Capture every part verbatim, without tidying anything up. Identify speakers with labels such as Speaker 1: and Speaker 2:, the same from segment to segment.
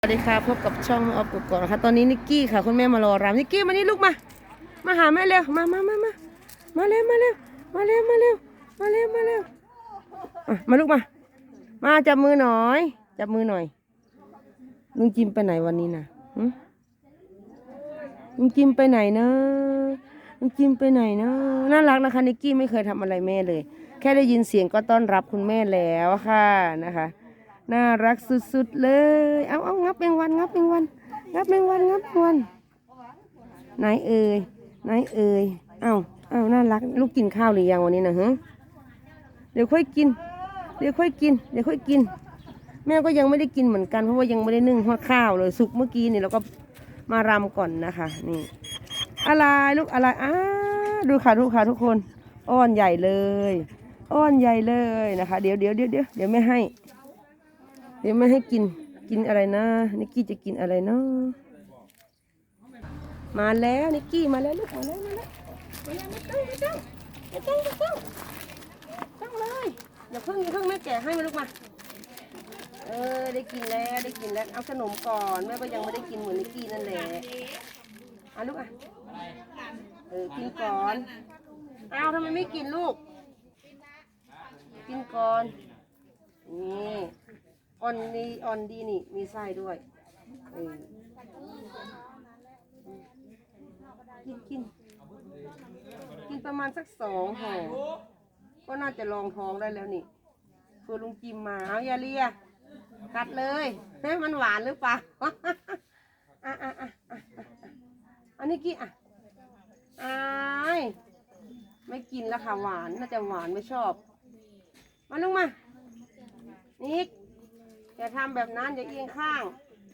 Speaker 1: สวัสดีค่ะพบกับช่องออฟกุ๊กก่อนนะคะตอนนี้นิกกี้ค่ะคุณแม่มารอรำนิกกี้มานี่ลูกมามาหาแม่เร็วมามามามามาเร็วมาเร็วมาเร็วมาเร็วมาเร็วมาเร็วอ่ะมาลูกมามาจับมือหน่อยจับมือหน่อยลุงจิมไปไหนวันนี้นะลุงจิมไปไหนนะลุงจิมไปไหนนะน่ารักนะคะนิกกี้ไม่เคยทำอะไรแม่เลยแค่ได้ยินเสียงก็ต้อนรับคุณแม่แล้วค่ะนะคะน่ารักสุดๆเลย เอาเอางับแมงวันงับแมงวันงับแมงวันงับแมงวันไหนเอ่ยไหนเอ่ยเอาเอาน่ารักลูกกินข้าวหรือยังวันนี้นะฮะเดี๋ยวค่อยกินเดี๋ยวค่อยกินเดี๋ยวค่อยกินแม่ก็ยังไม่ได้กินเหมือนกันเพราะว่ายังไม่ได้นึ่งหัวข้าวเลยสุกเมื่อกี้นี่เราก็มารำก่อนนะคะนี่อะไรลูกอะไรอ้าดูค่ะดูค่ะทุกคนอ้อนใหญ่เลยอ้อนใหญ่เลยนะคะเดี๋ยวเดี๋ยวเดี๋ยวเดี๋ยวเดี๋ยวไม่ให้เดี๋ยวไม่ให้กินกินอะไรนะนิกกี้จะกินอะไรเนาะมาแล้วนิกกี้มาแล้วลูกมาแล้วมาแล้วมาแล้วไม่ต้องไม่ต้องไม่ต้องไม่ต้องต้องเลยอย่าเพิ่งอย่าเพิ่งแม่แกะให้มาลูกมาเออได้กินแล้วได้กินแล้วเอาขนมก่อนแม่ก็ยังไม่ได้กินเหมือนนิกกี้นั่นแหละเอาลูกอ่ะเออกินก่อนเอาทำไมไม่กินลูกกินก่อนนี่ออนนี่ออนดีนี่มีไส้ด้วยเออกินกินกินประมาณสักสองห่อก็น่าจะรองท้องได้แล้วนี่คือลุงจิมมาเอาอย่าเลียกัดเลยเฮ้ยมันหวานหรือเปล่าอ่ะอ่ะอ่ะอ่ะอันนี้กี่อ่ะอายไม่กินแล้วค่ะหวานน่าจะหวานไม่ชอบมาลงมานิกอย่าทำแบบนั้นอย่าเอียงข้าง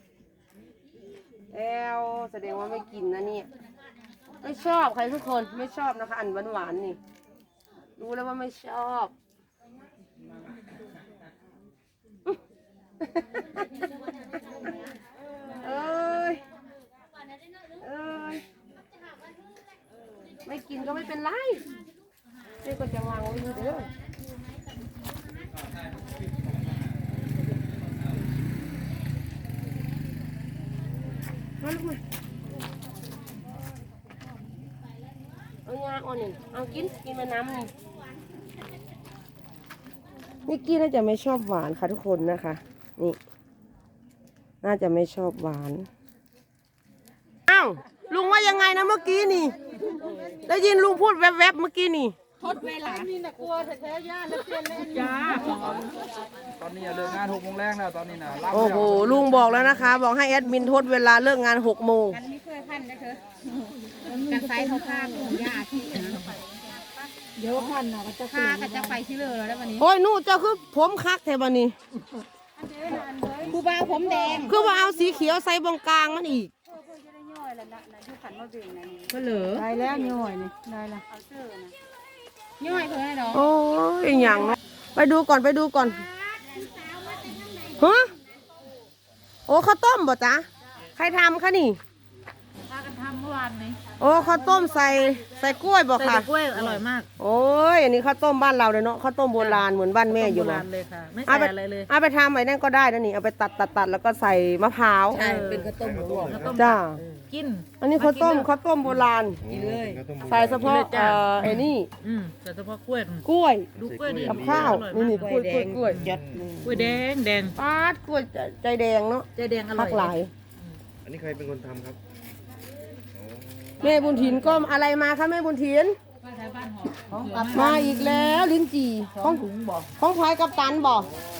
Speaker 1: แอลแสดงว่าไม่กินนะเนี่ยไม่ชอบใครทุกคนไม่ชอบนะคะอันหวานหวานนี่รู้แล้วว่าไม่ชอบเอ้ยเอ้ยไม่กินก็ไม่เป็นไรเจ๊ก็จะวางไว้ดูเด้อมาลูกมาเอายาอ่อนนี่เอากินกินมาน้ำนี่นิกกี้น่าจะไม่ชอบหวานค่ะทุกคนนะคะนี่น่าจะไม่ชอบหวานอ้าวลุงว่ายังไงนะเมื่อกี้นี่ได้ยินลุงพูดแวบๆเมื่อกี้นี่ทดเวลานี่นะกลัวแท้ๆย่าแล้วเปลี่ยนเล่นย่า
Speaker 2: ตอนนี้เลิกงานหกโมงแรกแล้วตอนนี้นะ
Speaker 1: โอ้โหลุงบอกแล้วนะคะบอกให้แอดมินทดเวลาเลิกงานหกโมง
Speaker 3: กันไม่เคยพันนะเธอกันไซเขาพาของยาที่เดี๋ยวพันเนาะก็จะพากันจะไปที่เลยแล้ววันนี้
Speaker 1: โอ้ยนู่เจ้าคือผมคักแถวนี้
Speaker 3: ครูบาผมแดง
Speaker 1: คือว่าเอาสีเขียวใส่บงกลางมันอีก
Speaker 3: ก็เหลือได้แล้วย่อยนี่ได้ละย่อยเพื่อนเนาะ
Speaker 1: โอ้ยอย่างเนาะไปดูก่อนไปดูก่อนฮะโอ้ข้าวต้มบ่จ๊ะใครทำคะนี่
Speaker 3: พากันทำเมื่อวานนี้
Speaker 1: โอ้ข้าวต้มใส่ใส่กล้วยบ่ค่ะ
Speaker 3: ใส่กล้วยอร่อยมาก
Speaker 1: โอ้ยอันนี้ข้าวต้มบ้านเราเลยเนาะข้าวต้มโบราณเหมือนบ้านแม่อยู่
Speaker 3: โบ
Speaker 1: นะ
Speaker 3: ราณเลยค่ะไม่ใส่อะไรเลย
Speaker 1: เอาไปทำไอ้นั่นก็ได้นะนี่เอาไปตัดตัดตัดแล้วก็ใส่มะพร้าว
Speaker 3: ใช่เป็นข้าวต้มหมูข้าวต้ม
Speaker 1: จ้า
Speaker 3: กิน
Speaker 1: อันนี้ข้าวต้มข้าวต้มโบราณ
Speaker 3: กินเลย
Speaker 1: ใส่เฉพาะเอ่อไอ้นี่
Speaker 3: อืมใส่เฉพาะกล้วย
Speaker 1: กล้วย
Speaker 3: ดูกล้วยดี
Speaker 1: กับข้าวนี่นี่กล้วยกล้วยกล้วย
Speaker 3: จัดกล้วยแดงแดง
Speaker 1: ปาดกล้วยใจแดงเนาะ
Speaker 3: ใจแดงอร่อย
Speaker 1: หลาย
Speaker 2: อันนี้ใครเป็นคนทำครับ
Speaker 1: แม่บุญถินก็อะไรมาคะแม่บุญถินมาอีกแล้วลิ้นจี่ของถุงบ่ของพายกับตันบ่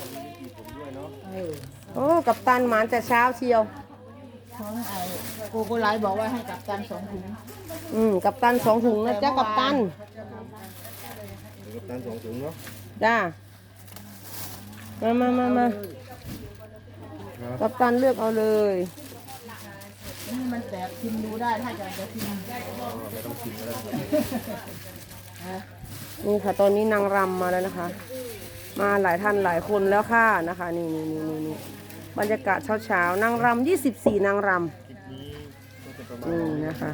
Speaker 1: โอ้กับตันหมานแต่เช้าเชียว
Speaker 3: ของไอ้โกโกไลบอกว่าให้กับตันสองถุง
Speaker 1: อืมกับตันสองถุงนะจ๊ะกับตัน
Speaker 2: กับตันสองถุงเนาะ
Speaker 1: จ้ามามามามากับตันเลือกเอาเลย
Speaker 3: นี่มันแสบชิมดูได้ถ้าอยากจะชิม
Speaker 1: นี่ค่ะตอนนี้นางรำมาแล้วนะคะมาหลายท่านหลายคนแล้วค่ะนะคะนี่นี่นี่นี่นี่บรรยากาศเช้าเช้านางรำยี่สิบสี่นางรำนี่นะคะ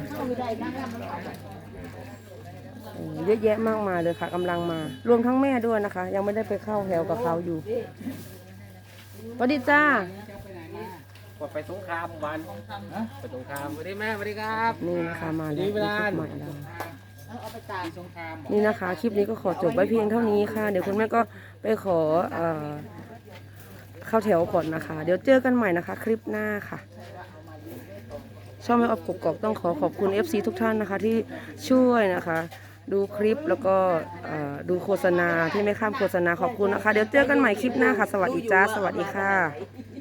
Speaker 1: เยอะแยะมากมายเลยค่ะกำลังมารวมทั้งแม่ด้วยนะคะยังไม่ได้ไปเข้าแถวกับเขาอยู่สวัสดีจ้า
Speaker 4: กดไปสงครามวัน
Speaker 2: ฮะ
Speaker 4: ไปสงครามสวัสดีแม่สวัสดีครับ
Speaker 1: นี่นะคะมาแล้ว
Speaker 4: ดี
Speaker 1: ค
Speaker 4: เว
Speaker 1: ลิป
Speaker 4: ลา
Speaker 1: ใหม่เรา
Speaker 3: เอาไปจ่าย
Speaker 2: สงคราม
Speaker 1: นี่นะคะ คลิปนี้ก็ขอจบไว้เพียงเท่านี้ค่ะ เดี๋ยวคุณแม่ก็ไปขอเอ่อเข้าแถวก่อนนะคะ เดี๋ยวเจอกันใหม่นะคะ คลิปหน้าค่ะ ช่องแม่ออฟกกอกต้องขอขอบคุณ เอฟ ซี ทุกท่านนะคะที่ช่วยนะคะ ดูคลิปแล้วก็เอ่อดูโฆษณาที่ไม่ข้ามโฆษณาขอบคุณนะคะ เดี๋ยวเจอกันใหม่คลิปหน้าค่ะ สวัสดีจ้าสวัสดีค่ะ